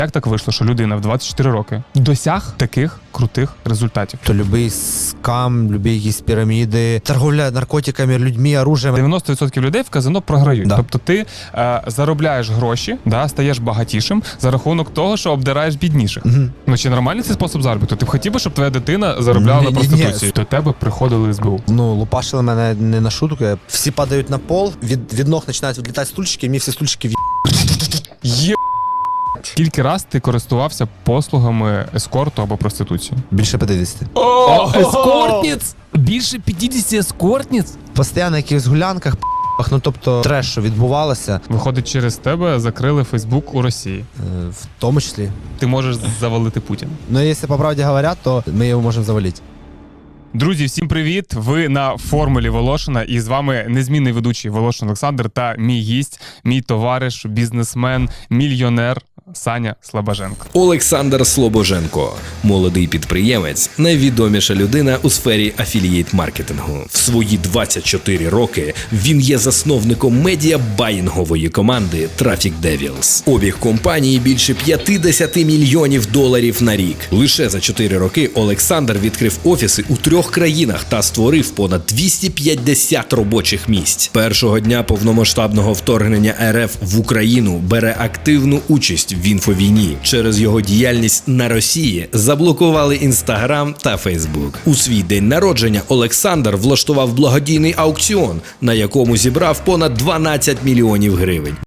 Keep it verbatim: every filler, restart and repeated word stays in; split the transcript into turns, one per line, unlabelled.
Як так вийшло, що людина в двадцять чотири роки досяг таких крутих результатів?
То любий скам, любі якісь піраміди, торговля наркотиками, людьми, оружием.
дев'яносто відсотків людей в казино програють.
Да.
Тобто ти е, заробляєш гроші, да, стаєш багатішим за рахунок того, що обдираєш бідніших.
Угу.
Ну чи нормальний цей спосіб заробітку? Ти б хотів би, щоб твоя дитина заробляла на
Ні-ні-ні.
проституції? До тебе приходили СБУ.
Ну, лупашили мене не на шутку. Всі падають на пол, від, від ног починають відлітати стульчики, і мені всі стульчики в...
Є. Скільки раз ти користувався послугами ескорту або проституції?
Більше п'ятдесят.
О,
Ескортниць? Більше п'ятдесят ескортниць?
Постійно на якихось гулянках, ну тобто треш, що відбувалося,
Виходить, через тебе закрили Фейсбук у Росії.
е, в тому числі.
Ти можеш завалити Путіна.
Ну, якщо по правді говорять, то ми його можемо завалити.
Друзі, всім привіт! Ви на формулі Волошина, і з вами незмінний ведучий Волошин Олександр та мій гість, мій товариш, бізнесмен, мільйонер Саня Слобоженко.
Олександр Слобоженко, молодий підприємець, найвідоміша людина у сфері афілієйт-маркетингу. В свої двадцять чотири роки він є засновником медіа-баїнгової команди Traffic Devils. Обіг компанії більше п'ятдесят мільйонів доларів на рік. Лише за чотири роки Олександр відкрив офіси у трьох країнах та створив понад двісті п'ятдесят робочих місць. Першого дня повномасштабного вторгнення РФ в Україну бере активну участь в інфовійні. Через його діяльність на Росії заблокували Інстаграм та Фейсбук. У свій день народження Олександр влаштував благодійний аукціон, на якому зібрав понад дванадцять мільйонів гривень.